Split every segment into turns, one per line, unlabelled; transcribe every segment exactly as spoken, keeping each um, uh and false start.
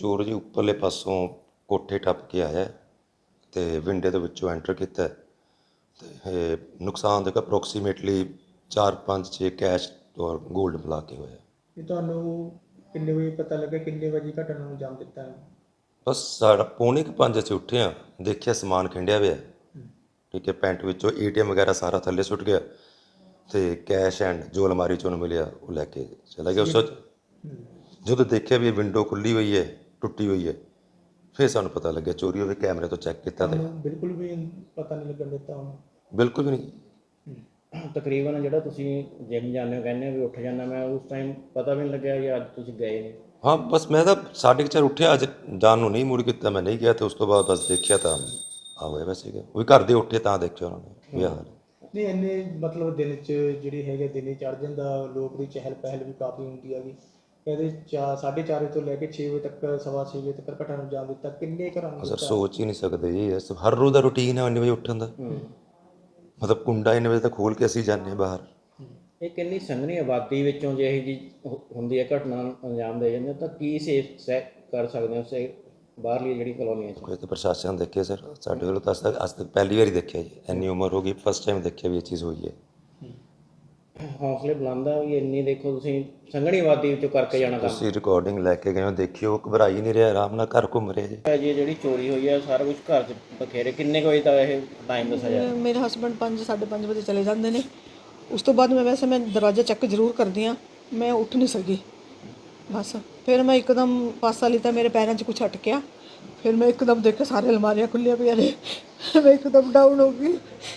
ਚੋਰ ਜੀ ਉੱਪਰਲੇ ਪਾਸੋਂ ਕੋਠੇ ਟੱਪ ਕੇ ਆਇਆ ਤੇ ਵਿੰਡੇ ਦੇ ਵਿੱਚੋਂ ਐਂਟਰ ਕੀਤਾ ਤੇ ਇਹ ਨੁਕਸਾਨ ਦੇਖੋ ਅਪਰੋਕਸੀਮੇਟਲੀ ਚਾਰ ਪੰਜ ਛੇ ਕੈਸ਼ ਔਰ ਗੋਲਡ ਮਿਲਾ ਕੇ ਹੋਇਆ।
ਇਹ ਤੁਹਾਨੂੰ ਕਿੰਨੇ ਵਜੇ ਪਤਾ ਲੱਗਾ, ਕਿੰਨੇ ਵਜੇ ਘਟਨਾ ਨੂੰ ਅੰਜਾਮ ਦਿੱਤਾ ਹੈ?
ਬਸ ਸਾਡਾ ਪੌਣੇ ਕੁ ਪੰਜ ਅਸੀਂ ਉੱਠੇ ਹਾਂ, ਦੇਖਿਆ ਸਮਾਨ ਖਿੰਡਿਆ ਹੋਇਆ, ਠੀਕ ਹੈ, ਪੈਂਟ ਵਿੱਚੋਂ ਏ ਟੀ ਐਮ ਵਗੈਰਾ ਸਾਰਾ ਥੱਲੇ ਸੁੱਟ ਗਿਆ ਤੇ ਕੈਸ਼ ਐਂਡ ਜੋ ਅਲਮਾਰੀ 'ਚੋਂ ਉਹਨੂੰ ਮਿਲਿਆ ਉਹ ਲੈ ਕੇ ਚਲਾ ਗਿਆ। ਉਸ ਤੋਂ ਜਦੋਂ ਦੇਖਿਆ ਵੀ ਇਹ ਵਿੰਡੋ ਖੁੱਲੀ ਹੋਈ ਹੈ, ਟੁੱਟੀ ਹੋਈ ਹੈ, ਫਿਰ ਸਾਨੂੰ ਪਤਾ ਲੱਗਿਆ ਚੋਰੀ ਹੋਵੇ। ਕੈਮਰੇ ਤੋਂ ਚੈੱਕ ਕੀਤਾ ਤੇ
ਬਿਲਕੁਲ ਵੀ ਪਤਾ ਨਹੀਂ ਲੱਗਣ ਦਿੱਤਾ ਉਹਨੂੰ?
ਬਿਲਕੁਲ ਵੀ ਨਹੀਂ।
ਤਕਰੀਬਨ ਜਿਹੜਾ ਤੁਸੀਂ ਜਿਮ ਜਾਂਦੇ ਹੋ, ਕਹਿੰਦੇ ਹੋ ਵੀ ਉੱਠ ਜਾਂਦਾ, ਮੈਂ ਉਸ ਟਾਈਮ ਪਤਾ ਵੀ ਨਹੀਂ ਲੱਗਿਆ ਕਿ ਅੱਜ ਤੁਸੀਂ ਗਏ ਨੇ?
ਹਾਂ, ਬਸ ਮੈਂ ਤਾਂ ਸਾਢੇ ਕੁ ਚਾਰ ਉੱਠਿਆ, ਅੱਜ ਜਾਣ ਨੂੰ ਨਹੀਂ ਮੁੜ ਕੀਤਾ, ਮੈਂ ਨਹੀਂ ਗਿਆ। ਤੇ ਉਸ ਤੋਂ ਬਾਅਦ ਬਸ ਦੇਖਿਆ ਤਾਂ ਆ ਹੋਇਆ ਵੈਸੇ ਸੀਗਾ, ਉਹ ਵੀ ਘਰ ਦੇ ਉੱਠੇ ਤਾਂ ਦੇਖਿਆ ਉਹਨਾਂ ਨੇ ਵੀ ਆਹ ਹਾਲ।
ਨਹੀਂ ਇੰਨੇ ਮਤਲਬ ਦਿਨ 'ਚ ਜਿਹੜੀ ਹੈਗੇ ਦਿਨੇ ਚੜ੍ਹ ਜਾਂਦਾ, ਲੋਕ ਦੀ ਚਹਿਲ ਪਹਿਲ ਵੀ ਕਾਫੀ ਹੁੰਦੀ ਹੈਗੀ। ਕਹਿੰਦੇ ਚਾ ਸਾਢੇ ਚਾਰ ਵਜੇ ਤੋਂ ਲੈ ਕੇ ਛੇ ਵਜੇ ਤੱਕ, ਸਵਾ ਛੇ ਵਜੇ ਤੱਕ ਘਟਨਾ ਨੂੰ ਅੰਜਾਮ ਦਿੱਤਾ। ਕਿੰਨੇ ਘਰਾਂ ਨੂੰ
ਸਰ ਸੋਚ ਹੀ ਨਹੀਂ ਸਕਦੇ ਜੀ, ਇਸ ਹਰ ਰੋਜ਼ ਦਾ ਰੂਟੀਨ ਹੈ ਇੰਨੇ ਵਜੇ ਉੱਠਣ ਦਾ। ਮਤਲਬ ਕੁੰਡਾ ਇੰਨੇ ਵਜੇ ਤੱਕ ਖੋਲ੍ਹ ਕੇ ਅਸੀਂ ਜਾਂਦੇ ਬਾਹਰ।
ਇਹ ਕਿੰਨੀ ਸੰਘਣੀ ਆਬਾਦੀ ਵਿੱਚੋਂ ਜੇ ਇਹ ਜੀ ਹੁੰਦੀ ਹੈ ਘਟਨਾ ਨੂੰ ਅੰਜਾਮ ਦੇ ਜਾਂਦੇ ਤਾਂ ਕੀ ਸੇਫ ਸੈ ਕਰ ਸਕਦੇ ਹੋ ਸੇ ਬਾਹਰਲੀ ਜਿਹੜੀ ਕਲੋਨੀਆਂ 'ਚ?
ਕੋਈ ਤਾਂ ਪ੍ਰਸ਼ਾਸਨ ਦੇਖੇ ਸਰ, ਸਾਡੇ ਵੱਲੋਂ ਤਾਂ ਅੱਜ ਤੱਕ ਅੱਜ ਤੱਕ ਪਹਿਲੀ ਵਾਰੀ ਦੇਖਿਆ ਜੀ, ਇੰਨੀ ਉਮਰ ਹੋ ਗਈ ਫਸਟ ਟਾਈਮ ਦੇਖਿਆ ਵੀ ਇਹ ਚੀਜ਼ ਹੋਈ ਹੈ।
ਹੌਸਲੇ ਬੁਲੰਦ ਆ ਵੀ ਇੰਨੀ ਦੇਖੋ ਤੁਸੀਂ ਸੰਘਣੀ ਆਬਾਦੀ ਵਿੱਚੋਂ ਕਰਕੇ ਜਾਣਾ ਕੰਮ।
ਤੁਸੀਂ ਰਿਕਾਰਡਿੰਗ ਲੈ ਕੇ ਗਏ ਹੋ, ਦੇਖਿਓ, ਘਬਰਾ ਹੀ ਨਹੀਂ ਰਿਹਾ, ਆਰਾਮ ਨਾਲ ਘਰ ਘੁੰਮ ਰਿਹਾ ਜੀ।
ਜੀ ਜਿਹੜੀ ਚੋਰੀ ਹੋਈ ਹੈ ਸਾਰਾ ਕੁਝ ਘਰ 'ਚ ਬਖੇਰੇ, ਕਿੰਨੇ ਕੁ ਵਜੇ ਦਾ ਇਹ ਟਾਈਮ ਦੱਸਿਆ ਜਾ?
ਮੇਰੇ ਹਸਬੈਂਡ ਪੰਜ ਸਾਢੇ ਪੰਜ ਵਜੇ ਚਲੇ ਜਾਂਦੇ ਨੇ। ਉਸ ਤੋਂ ਬਾਅਦ ਮੈਂ ਵੈਸੇ ਮੈਂ ਦਰਵਾਜ਼ਾ ਚੈੱਕ ਜ਼ਰੂਰ ਕਰਦੀ ਹਾਂ, ਮੈਂ ਉੱਠ ਨਹੀਂ ਸਕੀ ਬਸ। ਫਿਰ ਮੈਂ ਇੱਕਦਮ ਪਾਸਾ ਲਿੱਤਾ, ਮੇਰੇ ਪੈਰਾਂ 'ਚ ਕੁਛ ਅਟਕਿਆ, ਫਿਰ ਮੈਂ ਇੱਕਦਮ ਦੇਖਿਆ ਸਾਰੇ ਅਲਮਾਰੀਆਂ ਖੁੱਲੀਆਂ ਪਈਆਂ ਨੇ, ਮੈਂ ਇੱਕਦਮ ਡਾਊਨ ਹੋ ਗਈ।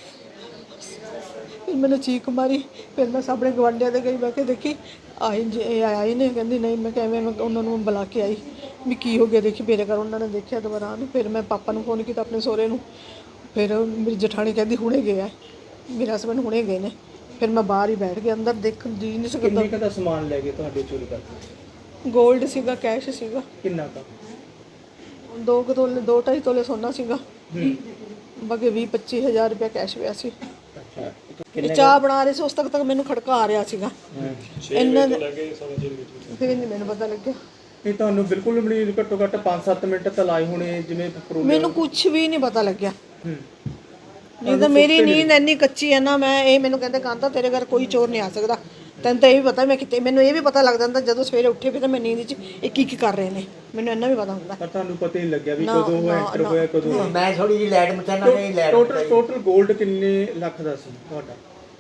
ਫਿਰ ਮੈਨੂੰ ਚੀਕ ਮਾਰੀ, ਫਿਰ ਮੈਂ ਸਾਹਮਣੇ ਗਵਾਂਢੀਆਂ ਦੇ ਗਈ, ਬਹਿ ਕੇ ਦੇਖੀ ਆਈ ਜੀ ਇਹ ਆਈ ਨੇ, ਕਹਿੰਦੀ ਨਹੀਂ। ਮੈਂ ਕਿਵੇਂ ਮੈਂ ਉਹਨਾਂ ਨੂੰ ਬੁਲਾ ਕੇ ਆਈ ਵੀ ਕੀ ਹੋ ਗਿਆ, ਦੇਖੀ ਮੇਰੇ ਘਰ। ਉਹਨਾਂ ਨੇ ਦੇਖਿਆ ਦੁਬਾਰਾ ਆਉਣ। ਫਿਰ ਮੈਂ ਪਾਪਾ ਨੂੰ ਫੋਨ ਕੀਤਾ, ਆਪਣੇ ਸਹੁਰੇ ਨੂੰ। ਫਿਰ ਮੇਰੀ ਜਠਾਣੀ ਕਹਿੰਦੀ ਹੁਣੇ ਗਏ ਆ, ਮੇਰੇ ਹਸਬੈਂਡ ਹੁਣੇ ਗਏ ਨੇ। ਫਿਰ ਮੈਂ ਬਾਹਰ ਹੀ ਬੈਠ ਗਿਆ, ਅੰਦਰ ਦੇਖ ਜੀ ਨਹੀਂ ਸਕਦਾ।
ਕਿੰਨੇ ਦਾ ਸਮਾਨ ਲੈ ਗਏ ਤੁਹਾਡੇ ਚੋਰੀ ਕਰਕੇ?
ਗੋਲਡ ਸੀਗਾ, ਕੈਸ਼ ਸੀਗਾ।
ਕਿੰਨਾ ਕੁ?
ਦੋ ਕੁ ਤੋਲੇ, ਦੋ ਢਾਈ ਤੋਲੇ ਸੋਨਾ ਸੀਗਾ, ਬਾਕੀ ਵੀਹ ਪੱਚੀ ਹਜ਼ਾਰ ਰੁਪਇਆ ਕੈਸ਼ ਪਿਆ ਸੀ। ਇਹ ਚਾਹ ਬਣਾ ਰਹੇ ਸੀ, ਉਸ ਤੱਕ ਤੱਕ ਮੈਨੂੰ ਖੜਕਾ ਆ ਰਿਹਾ ਸੀਗਾ। ਇੰਨਾ ਫਿਰ ਨਹੀਂ ਮੈਨੂੰ ਪਤਾ ਲੱਗਿਆ।
ਇਹ ਤੁਹਾਨੂੰ ਬਿਲਕੁਲ ਵੀ ਨਹੀਂ, ਘੱਟੋ ਘੱਟ ਪੰਜ ਸੱਤ ਮਿੰਟ ਤਾਂ ਲਾਏ ਹੋਣੇ ਜਿਵੇਂ?
ਮੈਨੂੰ ਕੁਝ ਵੀ ਨਹੀਂ ਪਤਾ ਲੱਗਿਆ। ਨਹੀਂ ਤਾਂ ਮੇਰੀ ਨੀਂਦ ਇੰਨੀ ਕੱਚੀ ਹੈ ਨਾ, ਮੈਂ ਇਹ ਮੈਨੂੰ ਕਹਿੰਦੇ ਕਾਂਤਾ ਤੇਰੇ ਘਰ ਕੋਈ ਚੋਰ ਨਹੀਂ ਆ ਸਕਦਾ, ਤੈਨੂੰ ਤਾਂ ਇਹ ਵੀ ਪਤਾ ਮੈਂ ਕਿਤੇ। ਮੈਨੂੰ ਇਹ ਵੀ ਪਤਾ ਲੱਗ ਜਾਂਦਾ ਜਦੋਂ ਸਵੇਰੇ ਉੱਠੇ ਵੀ ਤਾਂ ਮੈਂ ਨੀਂਦ 'ਚ ਇਹ ਕੀ ਕੀ ਕਰ ਰਹੇ ਨੇ, ਮੈਨੂੰ ਇੰਨਾ ਵੀ ਪਤਾ ਹੁੰਦਾ।
ਪਰ ਤੁਹਾਨੂੰ ਪਤਾ ਹੀ ਲੱਗਿਆ ਵੀ ਕਦੋਂ ਐਂਟਰ ਹੋਇਆ, ਕਦੋਂ?
ਮੈਂ ਥੋੜੀ ਜਿਹੀ ਲਾਈਟ ਮਚਾਣਾ ਨਹੀਂ ਲਾਈਟ।
ਟੋਟਲ ਟੋਟਲ 골ਡ ਕਿੰਨੇ ਲੱਖ ਦਾ ਸੀ ਤੁਹਾਡਾ?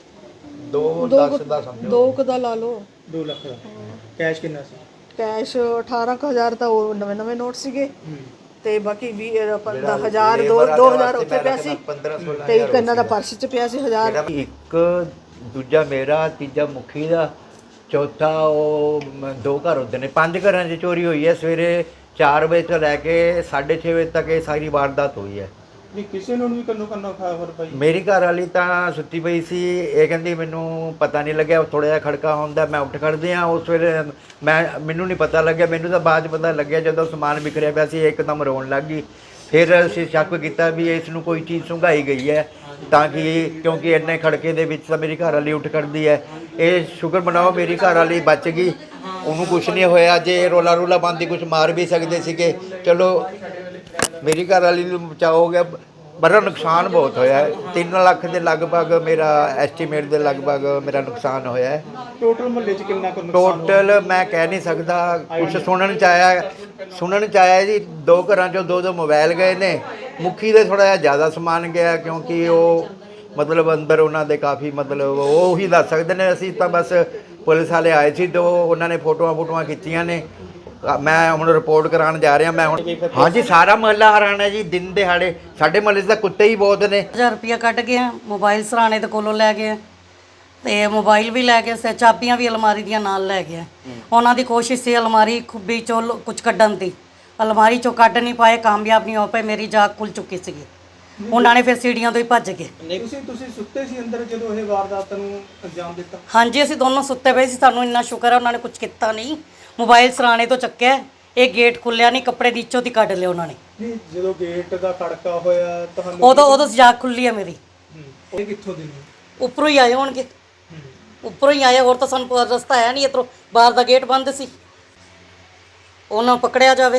ਦੋ ਦਸ ਦਾ ਸਮਝੋ,
ਦੋ ਕੁ ਦਾ ਲਾ ਲਓ।
ਦੋ ਲੱਖ ਦਾ। ਕੈਸ਼ ਕਿੰਨਾ ਸੀ?
ਕੈਸ਼ ਅਠਾਰਾਂ ਕੁ ਹਜ਼ਾਰ ਤਾਂ ਉਹ ਨਵੇਂ ਨਵੇਂ ਨੋਟ ਸੀਗੇ, ਤੇ ਬਾਕੀ ਵੀਹ ਹਜ਼ਾਰ ਦੋ ਦੋ ਹਜ਼ਾਰ ਉੱਥੇ ਪਿਆ ਸੀ, ਤੇ ਇੱਕ ਇਹਨਾਂ ਦਾ ਪਰਸ 'ਚ ਪਿਆ ਸੀ ਹਜ਼ਾਰ।
ਇੱਕ ਦੂਜਾ ਮੇਰਾ, ਤੀਜਾ ਮੁਖੀ ਦਾ, ਚੌਥਾ ਉਹ ਦੋ ਘਰ ਹੁੰਦੇ ਨੇ। ਪੰਜ ਘਰਾਂ 'ਚ ਚੋਰੀ ਹੋਈ ਹੈ। ਸਵੇਰੇ ਚਾਰ ਵਜੇ ਤੋਂ ਲੈ ਕੇ ਸਾਢੇ ਛੇ ਵਜੇ ਤੱਕ ਇਹ ਸਾਰੀ ਵਾਰਦਾਤ ਹੋਈ ਹੈ।
ਨਹੀਂ ਕਿਸੇ ਨੂੰ ਵੀ ਕੰਨੋ ਕੰਨਾ ਖਾਇਆ ਫਿਰ ਭਾਈ?
ਮੇਰੀ ਘਰ ਵਾਲੀ ਤਾਂ ਸੁੱਤੀ ਪਈ ਸੀ, ਇਹ ਕਹਿੰਦੀ ਮੈਨੂੰ ਪਤਾ ਨਹੀਂ ਲੱਗਿਆ, ਥੋੜ੍ਹਾ ਜਿਹਾ ਖੜਕਾ ਹੁੰਦਾ, ਮੈਂ ਉੱਠ ਖੜਦੇ ਹਾਂ। ਉਸ ਵੇਲੇ ਮੈਂ ਮੈਨੂੰ ਨਹੀਂ ਪਤਾ ਲੱਗਿਆ, ਮੈਨੂੰ ਤਾਂ ਬਾਅਦ 'ਚ ਪਤਾ ਲੱਗਿਆ ਜਦੋਂ ਸਮਾਨ ਵਿਖਰਿਆ ਪਿਆ ਸੀ, ਇੱਕਦਮ ਰੋਣ ਲੱਗ ਗਈ। ਫਿਰ ਅਸੀਂ ਸ਼ੱਕ ਕੀਤਾ ਵੀ ਇਸ ਨੂੰ ਕੋਈ ਚੀਜ਼ ਸੁੰਘਾਈ ਗਈ ਹੈ, ਤਾਂ ਕਿ ਕਿਉਂਕਿ ਇੰਨੇ ਖੜਕੇ ਦੇ ਵਿੱਚ ਤਾਂ ਮੇਰੀ ਘਰ ਵਾਲੀ ਉੱਠ ਖੜਦੀ ਹੈ। ਇਹ ਸ਼ੁਕਰ ਮਨਾਓ ਮੇਰੀ ਘਰ ਵਾਲੀ ਬਚ ਗਈ, ਉਹਨੂੰ ਕੁਛ ਨਹੀਂ ਹੋਇਆ। ਜੇ ਰੋਲਾ ਰੋਲਾ ਬੰਦੀ ਕੁਛ ਮਾਰ ਵੀ ਸਕਦੇ ਸੀਗੇ, ਚਲੋ ਮੇਰੀ ਘਰ ਵਾਲੀ ਨੂੰ ਬਚਾਅ ਹੋ ਗਿਆ। ਬੜਾ ਨੁਕਸਾਨ ਬਹੁਤ ਹੋਇਆ ਹੈ, ਤਿੰਨ ਲੱਖ ਦੇ ਲਗਭਗ ਮੇਰਾ ਐਸਟੀਮੇਟ ਦੇ ਲਗਭਗ ਮੇਰਾ ਨੁਕਸਾਨ ਹੋਇਆ ਹੈ।
ਟੋਟਲ ਮੁਹੱਲੇ 'ਚ ਕਿੰਨਾ ਕੁ ਨੁਕਸਾਨ?
ਟੋਟਲ ਮੈਂ ਕਹਿ ਨਹੀਂ ਸਕਦਾ, ਕੁਛ ਸੁਣਨ 'ਚ ਆਇਆ ਸੁਣਨ 'ਚ ਆਇਆ ਜੀ ਦੋ ਘਰਾਂ 'ਚੋਂ ਦੋ ਦੋ ਮੋਬਾਈਲ ਗਏ ਨੇ। ਮੁਖੀ ਦੇ ਥੋੜ੍ਹਾ ਜਿਹਾ ਜ਼ਿਆਦਾ ਸਮਾਨ ਗਿਆ, ਕਿਉਂਕਿ ਉਹ ਮਤਲਬ ਅੰਦਰ ਉਹਨਾਂ ਦੇ ਕਾਫੀ ਮਤਲਬ ਉਹ ਹੀ ਦੱਸ ਸਕਦੇ ਨੇ। ਅਸੀਂ ਤਾਂ ਬਸ ਪੁਲਿਸ ਵਾਲੇ ਆਏ ਸੀ ਤੇ ਉਹਨਾਂ ਨੇ ਫੋਟੋਆਂ ਫੋਟੋਆਂ ਖਿੱਚੀਆਂ ਨੇ। ਮੈਂ ਹੁਣ ਰਿਪੋਰਟ ਕਰਾਉਣ ਜਾ ਰਿਹਾ। ਮੈਂ ਹੁਣ ਹਾਂਜੀ ਸਾਰਾ ਮਹੱਲਾ ਹੈਰਾਨ ਹੈ ਜੀ, ਦਿਨ ਦਿਹਾੜੇ ਸਾਡੇ ਮਹੱਲੇ 'ਚ ਤਾਂ ਕੁੱਤੇ ਹੀ ਬਹੁਤ ਨੇ।
ਹਜ਼ਾਰ ਰੁਪਇਆ ਕੱਢ ਗਿਆ, ਮੋਬਾਈਲ ਸਰਾਣੇ ਦੇ ਕੋਲੋਂ ਲੈ ਗਏ, ਤੇ ਮੋਬਾਈਲ ਵੀ ਲੈ ਗਏ, ਚਾਬੀਆਂ ਵੀ ਅਲਮਾਰੀ ਦੀਆਂ ਨਾਲ ਲੈ ਗਏ। ਉਹਨਾਂ ਦੀ ਕੋਸ਼ਿਸ਼ ਸੀ ਅਲਮਾਰੀ ਖੁੱਬੀ ਚੋਂ ਕੁਝ ਕੱਢਣ ਦੀ, ਅਲਮਾਰੀ ਚੋਂ ਕੱਢ ਨਹੀਂ ਪਾਏ, ਕਾਮਯਾਬ ਨਹੀਂ ਹੋ ਪਏ। ਮੇਰੀ ਜਾਗ ਖੁੱਲ ਚੁੱਕੀ ਸੀਗੀ, ਉਹਨਾਂ ਨੇ ਫਿਰ ਸੀੜੀਆਂ ਤੋਂ ਹੀ ਭੱਜ ਗਏ।
ਤੁਸੀਂ ਤੁਸੀਂ ਸੁੱਤੇ ਸੀ ਅੰਦਰ ਜਦੋਂ ਇਹ ਵਾਰਦਾਤ ਨੂੰ ਅੰਜਾਮ ਦਿੱਤਾ?
ਹਾਂਜੀ ਅਸੀਂ ਦੋਨੋਂ ਸੁੱਤੇ ਪਏ ਸੀ, ਸਾਨੂੰ ਇੰਨਾ ਸ਼ੁਕਰ ਹੈ ਉਹਨਾਂ ਨੇ ਕੁਝ ਕੀਤਾ ਨਹੀਂ। ਮੋਬਾਈਲ ਸਰਾਣੇ ਤੋਂ ਚੱਕਿਆ, ਇਹ ਗੇਟ ਖੁੱਲਿਆ ਨਹੀਂ, ਕੱਪੜੇ ਦੀ ਇੱਚੋ ਦੀ ਕੱਢ ਲਿਆ ਉਹਨਾਂ ਨੇ।
ਨਹੀਂ ਜਦੋਂ ਗੇਟ ਦਾ ਖੜਕਾ ਹੋਇਆ ਤੁਹਾਨੂੰ
ਉਦੋਂ ਉਦੋਂ ਜਾਗ ਖੁੱਲੀ ਹੈ ਮੇਰੀ।
ਇਹ ਕਿੱਥੋਂ ਦੀ ਨੇ?
ਉੱਪਰੋਂ ਹੀ ਆਏ ਹੋਣਗੇ, ਉੱਪਰੋਂ ਹੀ ਆਏ, ਹੋਰ ਤਾਂ ਸਾਨੂੰ ਰਸਤਾ ਹੈ ਨਹੀਂ ਇੱਧਰੋਂ, ਬਾਹਰ ਦਾ ਗੇਟ ਬੰਦ ਸੀ। ਉਹਨਾਂ ਨੂੰ ਪਕੜਿਆ ਜਾਵੇ।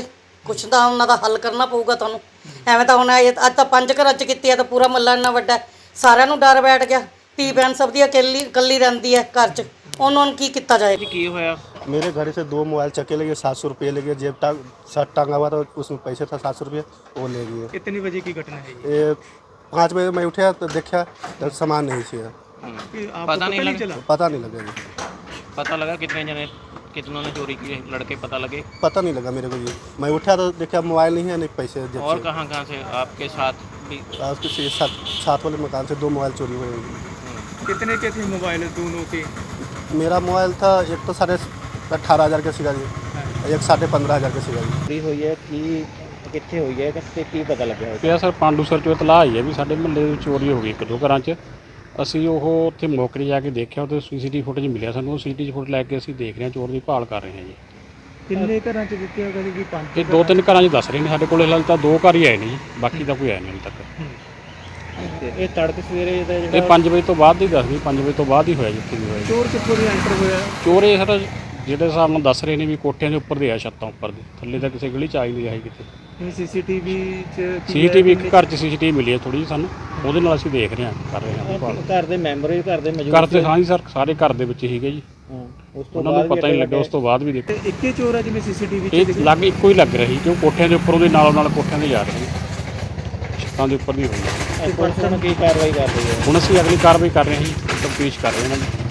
ਕੁਛ ਤਾਂ ਉਹਨਾਂ ਦਾ ਹੱਲ ਕਰਨਾ ਪਊਗਾ ਤੁਹਾਨੂੰ। ਐਵੇਂ ਤਾਂ ਹੁਣ ਇਹ- ਅੱਜ ਤਾਂ ਪੰਜ ਘਰਾਂ 'ਚ ਕੀਤੀ ਹੈ ਤਾਂ ਪੂਰਾ ਮੱਲਾ ਇੰਨਾ ਵੱਡਾ ਹੈ, ਸਾਰਿਆਂ ਨੂੰ ਡਰ ਬੈਠ ਗਿਆ। ਧੀ ਭੈਣ ਸਭ ਦੀ ਇਕੱਲੀ ਇਕੱਲੀ ਰਹਿੰਦੀ ਹੈ ਘਰ 'ਚ, ਉਹਨਾਂ ਨੂੰ ਕੀ ਕੀਤਾ ਜਾਏ।
ਕੀ ਹੋਇਆ?
मेरे घर से दो मोबाइल चक्के लगे, सात सौ रुपये लगे, जेब टांग शर्ट टांगा हुआ था उसमें पैसे था सात सौ रुपये, वो ले गए।
कितने बजे की घटना है ये?
ये पाँच बजे मैं उठा तो देखा तो सामान नहीं था,
कि आपको
पता नहीं लगा?
चला?
पता नहीं लगा जी,
पता लगा कितने जने कितनों ने चोरी की है? लड़के पता लगे?
पता नहीं लगा मेरे को जी। मैं उठा तो देखा मोबाइल नहीं है, नहीं पैसे जेब
और
से।
कहाँ कहाँ से आपके साथ भी?
और कुछ ये सात सात वाले मकान से दो मोबाइल चोरी हुए हैं।
कितने के थे मोबाइल दोनों के?
मेरा मोबाइल था एक तो साढ़े अट्ठारह हज़ार का सीगा जी, एक साढ़े पंद्रह हज़ार का सीगा जी।
चोरी हुई है कि कितने हुई है कि की पता लगा है?
ਪਿਆ ਸਰ ਪਾਂਡੂਸਰ ਚੋਂ ਇਤਲਾਹ ਆਈ ਹੈ ਵੀ ਸਾਡੇ ਮੁਹੱਲੇ ਵਿੱਚ ਚੋਰੀ ਹੋ ਗਈ ਇੱਕ ਦੋ ਘਰਾਂ 'ਚ। ਅਸੀਂ ਉਹ ਉੱਥੇ ਮੌਕੇ 'ਤੇ ਜਾ ਕੇ ਦੇਖਿਆ, ਉਹਦੇ ਸੀਸੀਟੀਵੀ ਫੁਟੇਜ ਮਿਲਿਆ ਸਾਨੂੰ। ਉਹ ਸੀਸੀਟੀਵੀ ਫੁਟੇਜ ਲੈ ਕੇ ਅਸੀਂ ਦੇਖ ਰਹੇ ਹਾਂ, ਚੋਰ ਦੀ ਭਾਲ ਕਰ ਰਹੇ ਹਾਂ ਜੀ।
ਕਿੰਨੇ ਘਰਾਂ 'ਚ ਦਿੱਤੇ ਹੋਗਾ ਜੀ? ਪੰਜ
ਇਹ ਦੋ ਤਿੰਨ ਘਰਾਂ 'ਚ ਦੱਸ ਰਹੇ ਨੇ, ਸਾਡੇ ਕੋਲ ਹਾਲੇ ਤਾਂ ਦੋ ਘਰ ਹੀ ਆਏ ਨੇ ਜੀ, ਬਾਕੀ ਤਾਂ ਕੋਈ ਆਇਆ ਨਹੀਂ ਹਾਲੇ ਤੱਕ।
ਇਹ ਤੜਕੇ ਸਵੇਰੇ ਦਾ
ਇਹ ਪੰਜ ਵਜੇ ਤੋਂ ਬਾਅਦ ਦੀ ਦੱਸਦੀ, ਪੰਜ ਵਜੇ ਤੋਂ ਬਾਅਦ ਹੀ ਹੋਇਆ ਜਿੱਥੇ ਵੀ ਹੋਇਆ ਜੀ।
ਚੋਰ ਕਿੱਥੋਂ ਦੀ ਐਂਟਰ ਹੋਇਆ?
ਚੋਰ ਇਹ ਸਰ ਜਿਹੜੇ ਹਿਸਾਬ ਨਾਲ ਦੱਸ ਰਹੇ ਨੇ ਵੀ ਕੋਠਿਆਂ ਦੇ ਉੱਪਰ ਦੇ ਆ, ਛੱਤਾਂ ਉੱਪਰ ਦੇ, ਥੱਲੇ ਤਾਂ ਕਿਸੇ ਗਲੀ 'ਚ ਆ ਹੀ ਨਹੀਂ ਆਈ ਕਿਤੇ।
ਇਹ ਸੀਸੀਟੀਵੀ 'ਚ ਕੀ
ਸੀਸੀਟੀਵੀ ਇੱਕ ਘਰ 'ਚ ਸੀਸੀਟੀਵੀ ਮਿਲੀ ਹੈ ਥੋੜੀ ਜਿਹੀ ਸਾਨੂੰ, ਉਹਦੇ ਨਾਲ ਅਸੀਂ ਦੇਖ ਰਹੇ ਹਾਂ, ਕਰ ਰਹੇ ਹਾਂ ਭਾਲ।
ਘਰ ਦੇ ਮੈਂਬਰ ਵੀ ਘਰ ਦੇ ਮੌਜੂਦ
ਘਰ ਤੇ ਹਾਂ ਜੀ ਸਰ, ਸਾਰੇ ਘਰ ਦੇ ਵਿੱਚ ਹੀਗੇ ਜੀ,
ਹਾਂ, ਉਸ ਤੋਂ
ਉਹਨਾਂ ਨੂੰ ਪਤਾ ਨਹੀਂ ਲੱਗਿਆ। ਉਸ ਤੋਂ ਬਾਅਦ ਵੀ ਦੇਖੋ
ਤੇ ਇੱਕੇ ਚੋਰ ਆ ਜਿਵੇਂ ਸੀਸੀਟੀਵੀ 'ਚ
ਇਹ
ਦਿਖਿਆ?
ਲੱਗ ਇੱਕੋ ਹੀ ਲੱਗ ਰਹੀ, ਕਿਉਂ ਕੋਠਿਆਂ ਦੇ ਉੱਪਰ ਉਹਦੇ ਨਾਲੋਂ ਨਾਲ ਕੋਠਿਆਂ ਦੇ ਜਾ ਰਹੇ ਨੇ, ਛੱਤਾਂ ਦੇ ਉੱਪਰ ਦੀ ਹੋਈ ਹੈ।
ਪੁਲਿਸ ਹੁਣ ਕੀ ਕਾਰਵਾਈ ਕਰ ਰਹੀ ਹੈ?
ਹੁਣ ਅਸੀਂ ਅਗਲੀ ਕਾਰਵਾਈ ਕਰ ਰਹੇ ਹਾਂ ਜੀ, ਤਫਤੀਸ਼ ਕਰ ਰਹੇ ਹਾਂ ਇਹਨਾਂ ਦੀ।